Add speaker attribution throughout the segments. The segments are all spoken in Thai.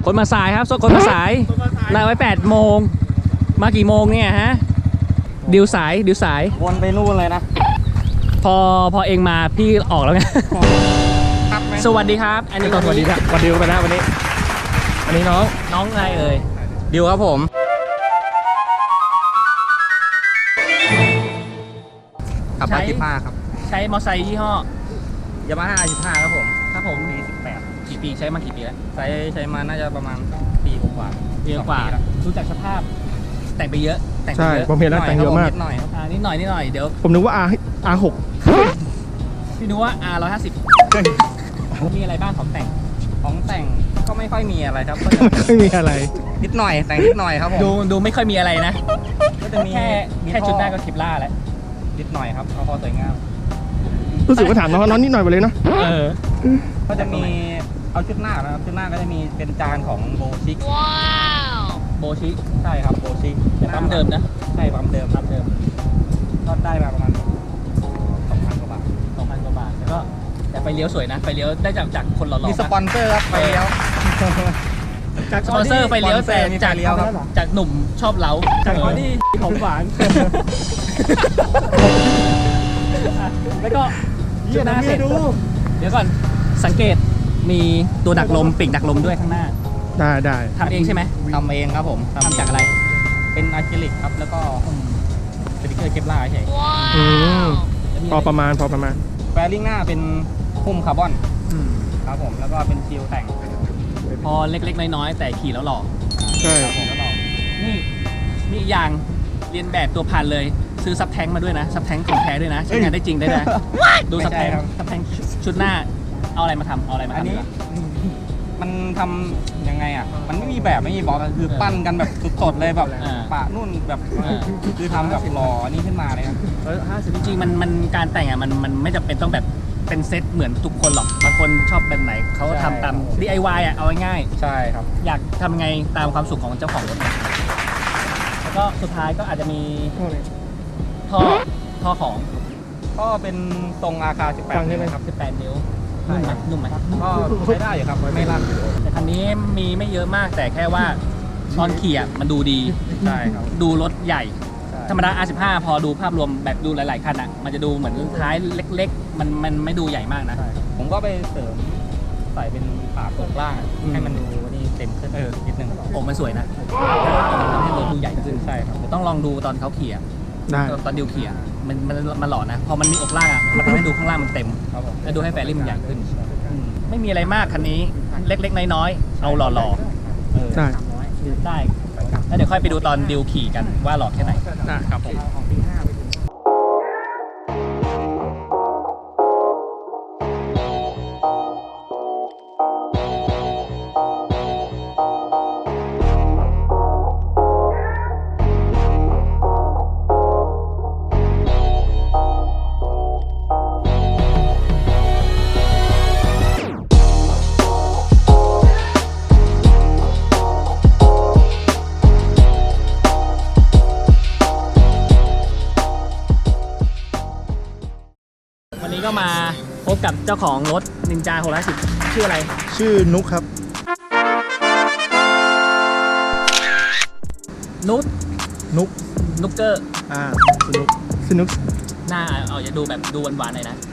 Speaker 1: คนมาสายครับคนมาสายนัดไว้8 โมงมากี่โมงเนี่ยฮะดิวสาย
Speaker 2: วนไปนู่นเลยนะ
Speaker 1: พอเองมาพี่ออกแล้วไงสวัสดีครับอันนี้สวัสดีครับวันดิวไปนะวันนี้อันนี้น้องอะไรเอ่ย
Speaker 2: ดิวครับผมขับมา15ครับ
Speaker 1: ใช้มอเตอร์ไซค์ยี่ห้
Speaker 2: ยามาฮ่า15ครับผม
Speaker 1: ปี18กี่ปีใช้มากี่ปีแล้ว
Speaker 2: ใช้มาน่าจะประมาณปีกว่า
Speaker 1: ดูจากสภาพแต่งไปเยอะ
Speaker 3: ใช่ผมเห็นแล้วแต่งเยอะมาก
Speaker 2: นิดหน่อย
Speaker 1: เดี๋ยว
Speaker 3: ผมนึกว่า R6
Speaker 1: พี่นึกว่า R150 มีอะไรบ้างของแต่ง
Speaker 2: ก็ไม่ค่อยมีอะไรครับ
Speaker 3: ไม่มีอะไร
Speaker 2: นิดหน่อยแต่งนิดหน่อยครับผม
Speaker 1: ดูไม่ค่อยมีอะไรนะ
Speaker 2: ก็จะมี
Speaker 1: แค่ชุดหน้าก็คลิปล่าแล้ว
Speaker 2: นิดหน่อยครับเอาพอสวยงาม
Speaker 3: รู้สึกว่าถามน้องนิดหน่อยไปเลยนะ
Speaker 2: ก็จะมีเอาชุดหน้านะครับชุดหน้าก็จะมีเป็นจานของโบชิก
Speaker 1: โบชิ
Speaker 2: ใช่ครับโบชิก
Speaker 1: ปั๊มเดิมนะ
Speaker 2: ใช่ปั๊มเดิมก็ได้มาประมาณ 2,000 กว่าบาท
Speaker 1: แล้วก็แต่ไฟเลี้ยวสวยนะไฟเลี้ยวได้จากคนหล่อๆ
Speaker 2: มีสปอนเซอร์ครับไฟเลี้ยว
Speaker 1: จากสปอนเซอร์ไฟเลี้ยวแต่จากหนุ่มชอบเล้าจากออดี้ของหวานแล้วก็ชุดหน้าเสร็จเดี๋ยวก่อนสังเกตมีตัวดักลมปีกดักลมด้วยข้างหน้า
Speaker 3: ได้
Speaker 1: ทำเองใช่ไหม
Speaker 2: ทำเองครับผม
Speaker 1: ทำจากอะไร
Speaker 2: เป็นอะคริลิกครับแล้วก็สติ๊กเกอร์เคปลาร์ใช่
Speaker 3: พอประมาณ
Speaker 2: แฟริ่งหน้าเป็นหุ้มคาร์บอนครับผมแล้วก็เป็นชิลแต่ง
Speaker 1: พอเล็กๆน้อยๆแต่ขี่แล้วหล่อ
Speaker 3: ใช่
Speaker 1: ครับผมแล้วหล่อนี่มีอีกอย่างเรียนแบบตัวพันเลยซื้อซับแท้งมาด้วยนะซับแท้งของแท้ด้วยนะใช้งานได้จริงได้นะดูซับแท้งชุดหน้าเอาอะไรมาทำ
Speaker 2: อันนี้มันทำยังไงอ่ะมันไม่มีแบบไม่มีบล็อกคือปั้นกันแบบสดๆเลยแบบปะนุ่นแบบคือทำแบบหล่อนี่ขึ้นมาเลยครับ
Speaker 1: จริงๆมันการแต่งอ่ะมันไม่จำเป็นต้องแบบเป็นเซตเหมือนทุกคนหรอกบางคนชอบแบบไหนเขาทำตาม DIY อ่ะเอาง่าย
Speaker 2: ใช่ครับ
Speaker 1: อยากทำไงตามความสุขของเจ้าของรถแล้วก็สุดท้ายก็อาจจะมีท่อของ
Speaker 2: ก็เป็นทรงอาคา18นิ้วครับ
Speaker 1: 18 นิ้วนุ่มไหม
Speaker 2: ก็ใช้ได้อยู่ครับไม่ลั่น
Speaker 1: แต่คันนี้มีไม่เยอะมากแต่แค่ว่าตอนขี่มันดูดี
Speaker 2: ใช่ครับ
Speaker 1: ดูรถใหญ่ธรรมดา R15 พอดูภาพรวมแบบดูหลายๆคันอ่ะมันจะดูเหมือนท้ายเล็กๆมันไม่ดูใหญ่มากนะ
Speaker 2: ผมก็ไปเสริมใส่เป็นฝาโปร่งล่างให้มันดูนี่เต็มขึ้นนิดนึง
Speaker 1: มันสวยนะทำให้รถดูใหญ่ขึ้นใช่ครับต้องลองดูตอนเขาขี่ตอนดิวขี่มันหล่อนะพอมันมีอกล่างอ่ะมันทำให้ดูข้างล่างมันเต็มแล้วดูให้แฟริ่งมันใหญ่ขึ้นไม่มีอะไรมากคันนี้เล็กๆน้อยๆเอาหล่อ
Speaker 3: ๆได้
Speaker 1: แล้วเดี๋ยวค่อยไปดูตอนดิวขี่กันว่าหล่อแค่ไหน
Speaker 2: ครับผม
Speaker 1: ก็มาพบกับเจ้าของรถนินจา610ชื่ออะไร
Speaker 3: ชื่อนุกครับ
Speaker 1: นุกเกอร์
Speaker 3: สนุก
Speaker 1: หน้าอย่าดูแบบดูหวานๆหน่อยนะ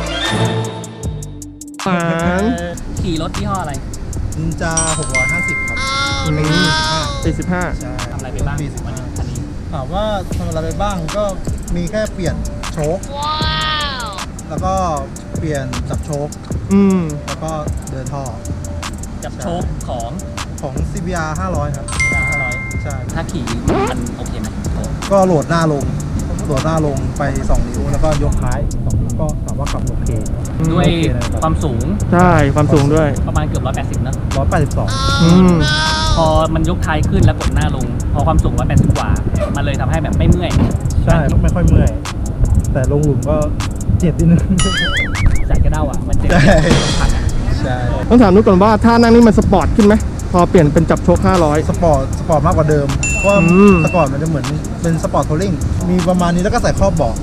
Speaker 3: หวาน
Speaker 1: ขี่รถยี่ห้ออะไร
Speaker 4: นินจา650ครับ
Speaker 3: 45
Speaker 4: ใช่
Speaker 1: ทำอะไรไปบ้างวันนี้คันนี้
Speaker 4: ถามว่าทำอะไรไปบ้างก็มีแค่เปลี่ยนโชคแล้วก็เปลี่ยนจับโชคแล้วก็เดินท่อ
Speaker 1: จับโชค
Speaker 4: ของ CBR 500ครับ
Speaker 1: ใช่ถ้าขี่มันโอเคไหม
Speaker 4: ก็โหลดหน้าลงไป2 นิ้วแล้วก็ยกท้าย2 นิ้วก็ถามว่าขับโอเค
Speaker 1: ด้วยความสูง
Speaker 3: ใช่ความสูงด้วย
Speaker 1: ประมาณเกือบ180นะ
Speaker 4: 182
Speaker 1: พอมันยกท้ายขึ้นแล้วกดหน้าลงพอความสูง180กว่ามันเลยทำให้แบบไม่เมื่อย
Speaker 4: ใช่ไม่ค่อยเมื่อยแต่ลงหลุมก็เจ็บนิดนึง
Speaker 1: ใส่กระเด้ามันเจ็บ
Speaker 4: ใช่
Speaker 3: ต้องถามนุ๊กก่อนว่าถ้านั่งนี่มันสปอร์ตขึ้นไหมพอเปลี่ยนเป็นจับโชค500
Speaker 4: สปอร์ตมากกว่าเดิมเพราะสปอร์ตมันจะเหมือนเป็นสปอร์ตทัวริ่งมีประมาณนี้แล้วก็ใส่ครอบเบาะ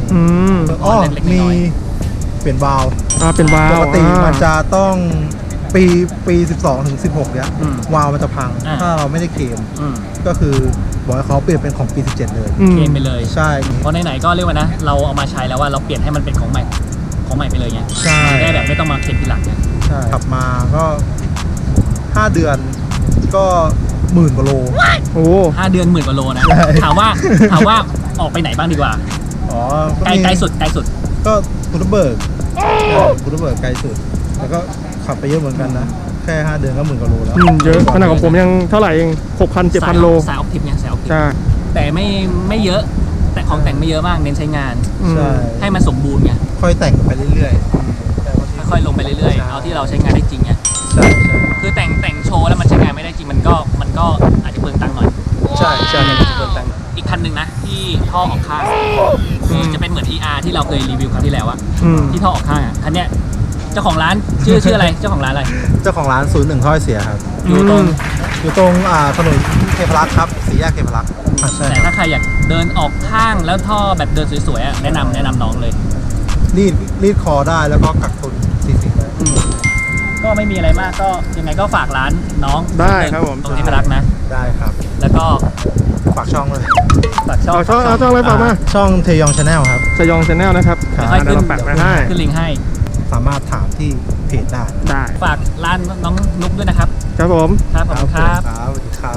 Speaker 4: มีเปลี่ยนวาล์ว
Speaker 3: เป็นวาล์ว
Speaker 4: ปกติมันจะต้องปี12 ถึง 16 เนี้ย
Speaker 1: อืม
Speaker 4: วาล์วมันจะพัง
Speaker 1: อ่า
Speaker 4: ถ้าเราไม่ได้เคลม
Speaker 1: อืม
Speaker 4: ก็คือบอกให้เขาเปลี่ยนเป็นของปี 17 เลย
Speaker 3: อืม
Speaker 1: เกมไปเลย
Speaker 4: ใช่
Speaker 1: เพราะไหนๆก็เรียกว่านะ เราเอามาใช้แล้วว่าเราเปลี่ยนให้มันเป็นของใหม่ไปเลยไง
Speaker 4: ใช่
Speaker 1: ได้แบบไม่ต้องมาเข็นทีหลังไง
Speaker 4: ใช่ขับมาก็ 5 เดือนก็10,000 กว่าโล
Speaker 3: โอ้
Speaker 1: 5 เดือน10,000 กว่าโลนะ
Speaker 4: ใช่
Speaker 1: ถามว่าออกไปไหนบ้างดีกว่า
Speaker 4: อ๋อ
Speaker 1: ไกลสุด
Speaker 4: ก็พุทธเบิกพุทธเบิกไกลสุด แล้วก็ขับไปเยอะเหมือนกันนะ แค่ 5 เดือนก็10,000 กว่าโลแล้ว
Speaker 3: เยอะขนาดของผมยังเท่าไหร่เอง6,000 7,000 โล
Speaker 1: สายออกทริปเนี่ยสายออกทริป
Speaker 3: ใช่
Speaker 1: แต่ไม่เยอะ แต่ของแต่งไม่เยอะมากเน้นใช้งาน
Speaker 4: ใช่
Speaker 1: ให้มันสมบูรณ์ไง
Speaker 4: ค่อยแต่งไปเรื่อย
Speaker 1: ค่อยๆลงไปเรื่อยๆเอาที่เราใช้งานได้จริงไง
Speaker 4: ๆ ใช่ใช่
Speaker 1: คือแต่งโชว์แล้วมันใช้งานไม่ได้จริงมันก็อาจจะเปลืองตังค์หน่อย
Speaker 4: ใช่ใช่
Speaker 1: อีกคันหนึ่งนะที่ท่อออกข้างคือจะเป็นเหมือน ER ที่เราเคยรีวิวครั้งที่แล้วอะ
Speaker 3: อืม
Speaker 1: ที่ท่อออกข้างอะคันเนี้ยเจ้าของร้านชื่ออะไรเจ้าของร้านอะไร
Speaker 4: เจ้าของร้าน01 ถ้อยเสียครับ
Speaker 1: อยู่ตรง
Speaker 4: อยู่ตรงถนนเทพรักษ์ครับสี่แยกเทพรักษ์ใช่
Speaker 1: แต่
Speaker 4: ครั
Speaker 1: ถ้า
Speaker 4: บ
Speaker 1: ใครอยากเดินออกข้างแล้วท่อแบบเดินสวยๆอะแนะนำน้องเลย
Speaker 4: รีดคอได้แล้วก็กักตุน40ได้
Speaker 1: ก็ไม่มีอะไรมากก็ยังไงก็ฝากร้านน้อง
Speaker 3: ได้ครับผม
Speaker 1: ตรงเทพรักษ์นะ
Speaker 4: ได้ครับ
Speaker 1: แล้วก็
Speaker 4: ฝากช่องเลย
Speaker 1: ฝากช่อง
Speaker 3: เอาช่องอะไรฝากมา
Speaker 4: ช่องเทยองชาแนลครับ
Speaker 3: สยองชาแนลนะครับ
Speaker 4: ครับ
Speaker 1: ค่อยๆขึ้น
Speaker 3: เดี๋ยวเราแปะไว้ให้
Speaker 1: ขึ้นลิงก์ให้
Speaker 4: สามารถถามที่เพจได้
Speaker 3: ได้
Speaker 1: ฝากร้านน้องนุ๊กด้วยนะครับ
Speaker 3: ครับผม
Speaker 1: ครับผมครับ
Speaker 4: ครับสวัสดีครับ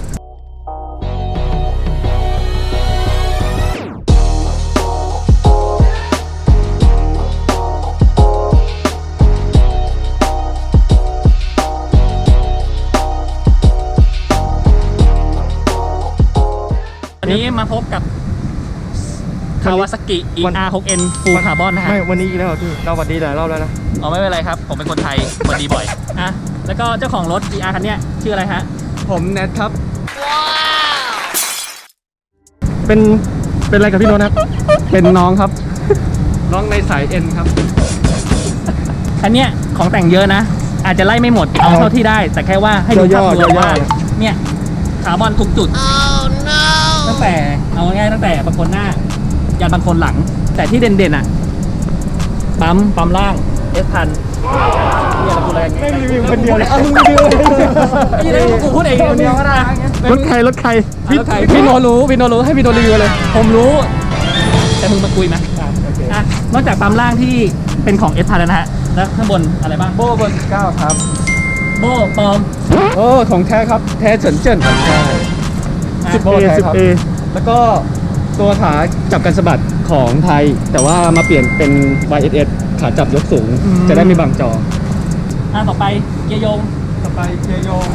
Speaker 1: วันนี้มาพบกับคาวาซากิ ER6N Full Carbon นะฮะ
Speaker 3: ไม่วันนี้อีกแล้วเหรอพี่เราหวัดดีหลายรอบแล้วนะ
Speaker 1: อ๋อไม่เป็นไรครับ ผมเป็นคนไทยสวัสดีบ่อยอ่ะแล้วก็เจ้าของรถ ER คันเนี้ยชื่ออะไรฮะ
Speaker 2: ผมแนทครับ
Speaker 3: เป็นอะไรกับพี่โน้ตครับ
Speaker 2: เป็นน้องครับ น้องในสายเอ็นครับ
Speaker 1: คันเนี้ยของแต่งเยอะนะ อาจจะไล่ไม่หมดเอาเท่าที่ได้ แต่แค่ว่าให้ดูภาพรวมว่าเนี่ยคาร์บอนทุกจุดตั้งแต่เอาง่ายๆตั้งแต่บางคนหน้ายันบางคนหลัง แต่ที่เด่นๆอ่ะปั๊มล่าง S1000เนี่ยเราพูดอะไรกัน
Speaker 3: ไม่รีวิวคนเดียวเลย
Speaker 1: มึงรีวิวเลยนี่เลยกูพูดเองคนเดียวก็ได้
Speaker 3: รถใคร
Speaker 1: พี่โนรู้ให้พี่โนรีวิวเลย ผมรู้ แต่มึงมาคุยไหมอ่ะนอกจากปั๊มล่างที่เป็นของ S1000 แล้วนะฮะแล้วข้างบนอะไรบ้าง
Speaker 2: โบ้เบอร์9ครับ
Speaker 1: โบ้ปลอม
Speaker 2: โอ้ของแท้ครับ แท้เฉินเจิ้นใช่
Speaker 3: 10A 10A
Speaker 2: แล้วก็ตัวขาจับกันสะบัดของไทย แต่ว่ามาเปลี่ยนเป็น YSS ขาจับยกสูง จะได้ไม่บังจอ
Speaker 1: ต่อไปเกียร์โยง
Speaker 2: ต่อไปเกียร์โยง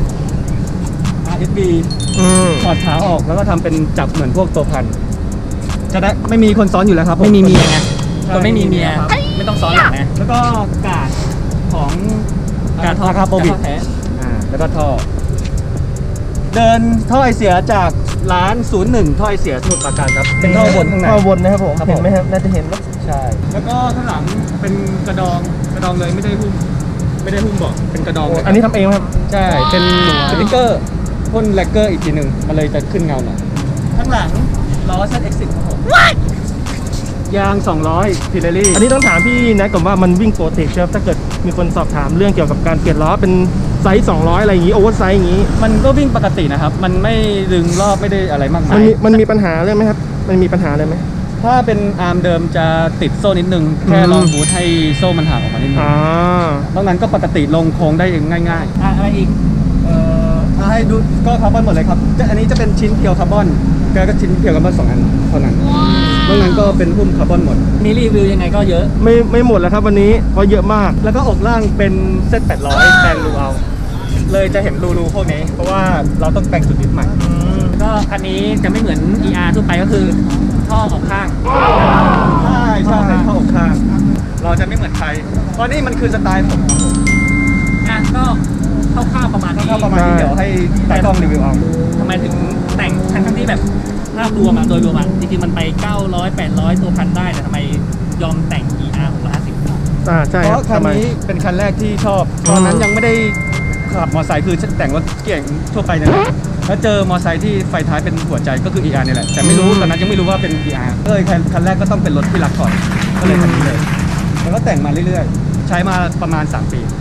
Speaker 2: RSB
Speaker 3: อืม
Speaker 2: ถอดขาออกแล้วก็ทำเป็นจับเหมือนพวกตัวพัน จะได้ไม่มีคนซ้อนอยู่แล้วครับ
Speaker 1: ไม่มีเมียไง
Speaker 2: ใช่
Speaker 1: คนไม่มีเมีย
Speaker 2: ครับ
Speaker 1: ไม่ต้องซ้อนหลังไง
Speaker 2: แล้วก็กาดของ
Speaker 1: การท่อ
Speaker 2: คาโปบิ
Speaker 1: การท่อแท้
Speaker 2: แล้วก็ท่อ เดินท่อไอเสียจากร้าน01ท่อไอเสียสมุทรปราการครับ เป็นท่อบนข้างใน
Speaker 3: ท่อบนนะครับผม
Speaker 2: ครับผม
Speaker 3: เห็นไหมครับน่าจะเห็นนะ
Speaker 2: ใช่ แล้วก็ข้างหลังเป็นกระดองเลยไม่ได้หุ้มเบาะเป็นกระดองเลย
Speaker 3: อันนี้ทำเองไหมครับ
Speaker 2: ใช่ เป็นสติ๊กเกอร์พ่นแลกเกอร์อีกทีหนึ่งมันเลยจะขึ้นเงาหน่อย
Speaker 1: ข้างหลังล้อ ZX10 ครับผม
Speaker 2: ยาง 200พิเรลี่
Speaker 3: อันนี้ต้องถามพี่แนทก่อนว่ามันวิ่งปกติใช่ไหมถ้าเกิดมีคนสอบถามเรื่องเกี่ยวกับการเปลี่ยนล้อเป็นไซส์200อะไรอย่างงี้โอเวอร์ไซส์อย่างงี้
Speaker 2: มันก็วิ่งปกตินะครับ มันไม่ดึงรอบไม่ได้อะไรมากมาย
Speaker 3: มันมีปัญหาเลยไหมครับมันมีปัญหาเลยไหม
Speaker 2: ถ้าเป็นอาร์มเดิมจะติดโซ่นิดนึง แค่ลองบูทให้โซ่มันห่างออกมานิดนึง
Speaker 3: อ่าน
Speaker 2: อกนั้นก็ปกติลงโค้งได้เองง่าย
Speaker 1: อะไรอีก
Speaker 2: ถ้าให้ดูก็คาร์บอนหมดเลยครับอันนี้จะเป็นชิ้นเพียวคาร์บอนแล้วก็ชิ้นเพียวคาร์บอน2อันเท่านั้นนอกนั้นก็เป็นหุ้มคาร์บอนหมด
Speaker 1: มีรีวิวยังไงก็เยอะ
Speaker 3: ไม่หมดแล้วครับวันนี้เพราะเยอะมาก
Speaker 2: แล้วก็อกล่างเป็นเซต800แปลงรูเอา เลยจะเห็นรูพวกนี้ เพราะว่าเราต้องแต่งจุดยึดใหม่
Speaker 1: ก็คันนี้จะไม่เหมือน ER ทั่วไปก็คือท่อออกข้าง
Speaker 2: ใช่เข้าอกข้าง เราจะไม่เหมือนใคร เพราะนี่มันคือสไตล์ผม
Speaker 1: ก็คร่าวๆประมาณนี้
Speaker 2: เข้าประมาณนี้เดี๋ยวให้ตากล้องรีวิวเอา
Speaker 1: ทำไมถึงแต่งทั้งที่แบบภาพรวมโดยรวมจริงๆมันไป 900 800 ตัวพันได้แต่ทำไมยอมแต่ง ER 650
Speaker 3: ใช่
Speaker 2: เพ
Speaker 3: ครับ
Speaker 2: ราะคัน
Speaker 3: ทำไม
Speaker 2: นี้เป็นคันแรกที่ชอบ ตอนนั้นยังไม่ได้ขับมอเตอร์ไซค์คือแต่งรถเก่งทั่วไปเนี่ยแหละแล้วเจอมอเตอร์ไซค์ที่ไฟท้ายเป็นหัวใจก็คือ ER นี่แหละ แต่ไม่รู้ตอนนั้นยังไม่รู้ว่าเป็น ER ก็เลยคันแรกก็ต้องเป็นรถที่รักก่อนก็เลยคันนี้เลย แล้วก็แต่งมาเรื่อยๆ ใช้มาประมาณ3 ปี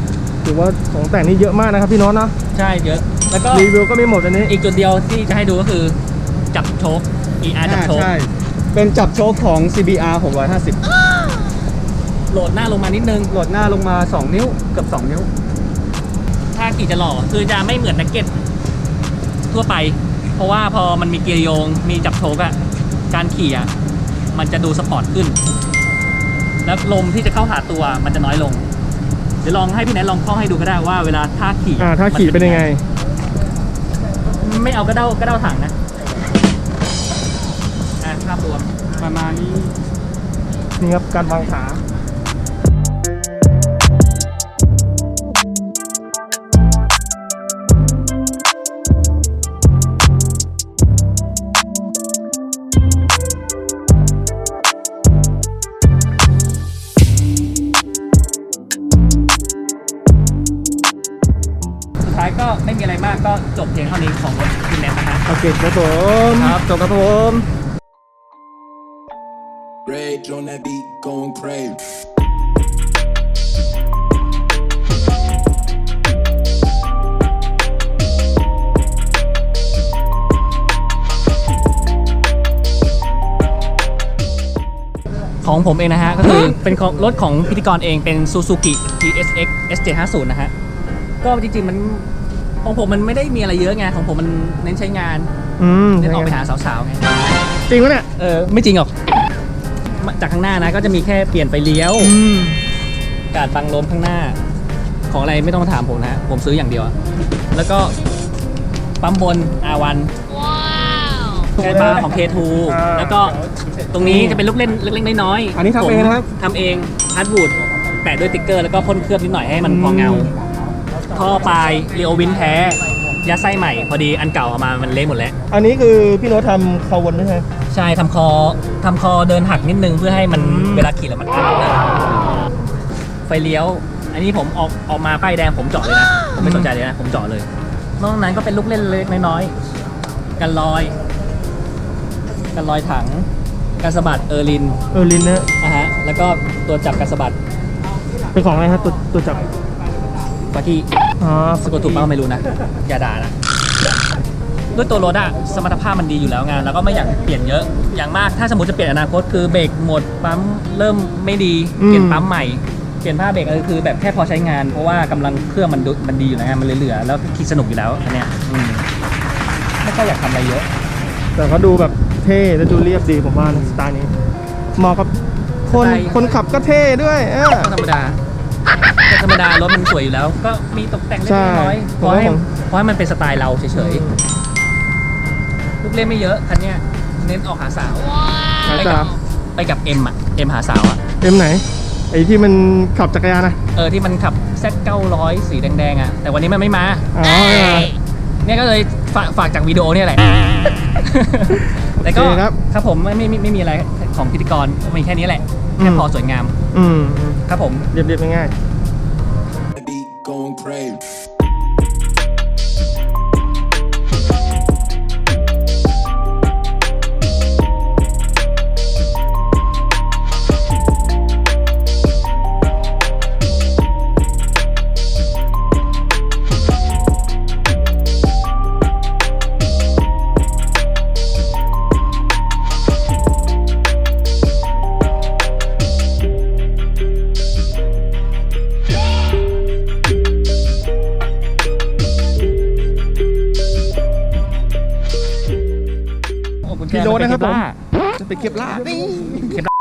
Speaker 3: ถือว่าของแต่งนี่เยอะมากนะครับพี่โน้ตเนาะ
Speaker 1: ใช่เยอะ แล้วก็
Speaker 3: รีวิวก็ไม่หมดอันนี้
Speaker 1: อีกจุดเดียวที่จะให้ดูก็คือจับโชค ER จับโชค
Speaker 2: ใช่เป็นจับโชคของ CBR 650
Speaker 1: โหลดหน้าลงมานิดนึง
Speaker 2: โหลดหน้าลงมา 2 นิ้วเกือบ2 นิ้ว
Speaker 1: ถ้าขี่จะหล่อคือจะไม่เหมือนนักเก็ตทั่วไป เพราะว่าพอมันมีเกียร์โยงมีจับโชกอะการขี่อะมันจะดูสปอร์ตขึ้น แล้วลมที่จะเข้าหาตัวมันจะน้อยลง เดี๋ยวลองให้พี่แนทลองเข้าให้ดูก็ได้ว่าเวลาท่าขี่
Speaker 3: ถ้าขี่เป็นยังไง
Speaker 1: ไม่เอากระเด้าถังนะภาพรวม
Speaker 2: ประมาณนี้
Speaker 3: นี่ครับการวางขา
Speaker 1: สุดท้ายก็ไม่มีอะไรมากก็จบเพียงเท่านี้ของรถคุณแนทนะฮะ
Speaker 3: โอเคครับผม
Speaker 1: ครับจบครับผม
Speaker 5: Rage on that beat, going crazy.
Speaker 1: ของผมเองนะฮะ ก็คือเป็นของรถของพิธีกรเองเป็น Suzuki GSX S750 นะฮะ ก็จริงๆมันของผมมันไม่ได้มีอะไรเยอะไงของผมมันเน้นใช้งาน เน้นออกไปหาสาวๆไง
Speaker 3: จริงปะเนี่ย
Speaker 1: ไม่จริงหรอกจากข้างหน้านะก็จะมีแค่เปลี่ยนไฟเลี้ยวการบังลมข้างหน้า ของอะไรไม่ต้องมาถามผมนะผมซื้ออย่างเดียวอะแล้วก็ปั๊มบน R1 แกนบาร์ของ K2 แล้วก็ตรงนี้จะเป็นลูกเล่นเล็กๆน้อยๆ
Speaker 3: อันนี้ทำเองนะครับ
Speaker 1: ทำเองฮาร์ดวูดแปะด้วยติ๊กเกอร์แล้วก็พ่นเคลือบนิดหน่อยให้มันพอเงาท่อปลายเรียววินแท้ยัดไส้ใหม่พอดีอันเก่าเอามามันเละหมดแล้ว
Speaker 3: อันนี้คือพี่โน้ตทำคาวนด้วยใช่ไหม
Speaker 1: ใช่ทำคอเดินหักนิดนึงเพื่อให้มันเวลาขี่แล้วมันอันเลยไฟเลี้ยว อันนี้ผมออกมาป้ายแดงผมเจาะเลยนะผมไม่สนใจเลยนะผมเจาะเลยนอกนั้นก็เป็นลูกเล่นเล็กน้อยๆกันลอยถังกันสะบัดลิน
Speaker 3: ลินนะ
Speaker 1: ฮะแล้วก็ตัวจับกันสะบัด
Speaker 3: เป็นของอะไรครับตัวจับ
Speaker 1: ปาที่
Speaker 3: อ๋อ
Speaker 1: สะกดถูกเปล่าไม่รู้นะอย่าด่านะด้วยตัวรถอะสมรรถภาพมันดีอยู่แล้วไงแล้วก็ไม่อยากเปลี่ยนเยอะอย่างมากถ้าสมมติจะเปลี่ยนอนาคตคือเบรกหมดปั๊มเริ่มไม่ดีเปลี่ยนปั๊มใหม่เปลี่ยนผ้าเบรกคือแบบแค่พอใช้งานเพราะว่ากำลังเครื่องมันดีอยู่นะมันเหลือๆแล้วขี่สนุกอยู่แล้วอันเนี้ยไม่ค่อยอยากทำอะไรเยอะ
Speaker 3: แต่เขาดูแบบเท่และดูเรียบดีผมว่านะสไตล์นี้เหมาะกับคนขับก็เท่ด้วย
Speaker 1: ก็ธรรมดารถมันสวยอยู่แล้ว ก็มีตกแต่งเล็กน้อยเพราะให้มันเป็นสไตล์เราเฉยๆลูกเล่นไม่เยอะคันเนี้ยเน้นออกหาสาวไปกับเอ็มหาสาวอะ
Speaker 3: เอ็มไหนไอ้ที่มันขับจักรยานนะ
Speaker 1: ที่มันขับ Z900 สีแดงๆอะแต่วันนี้มันไม่มา
Speaker 3: อ๋อ
Speaker 1: เนี่ยก็เลยฝากจากวิดีโอเนี่ยแหละแต่ก็ครับผมไม่มีอะไรของพิธีกรมีแค่นี้แหละแค่พอสวยงามครับผม
Speaker 3: เรียบๆง่าย
Speaker 5: That beat, going crazy.
Speaker 3: ๆพี่โน้ตนะครับผมจะไปเก็บลาบ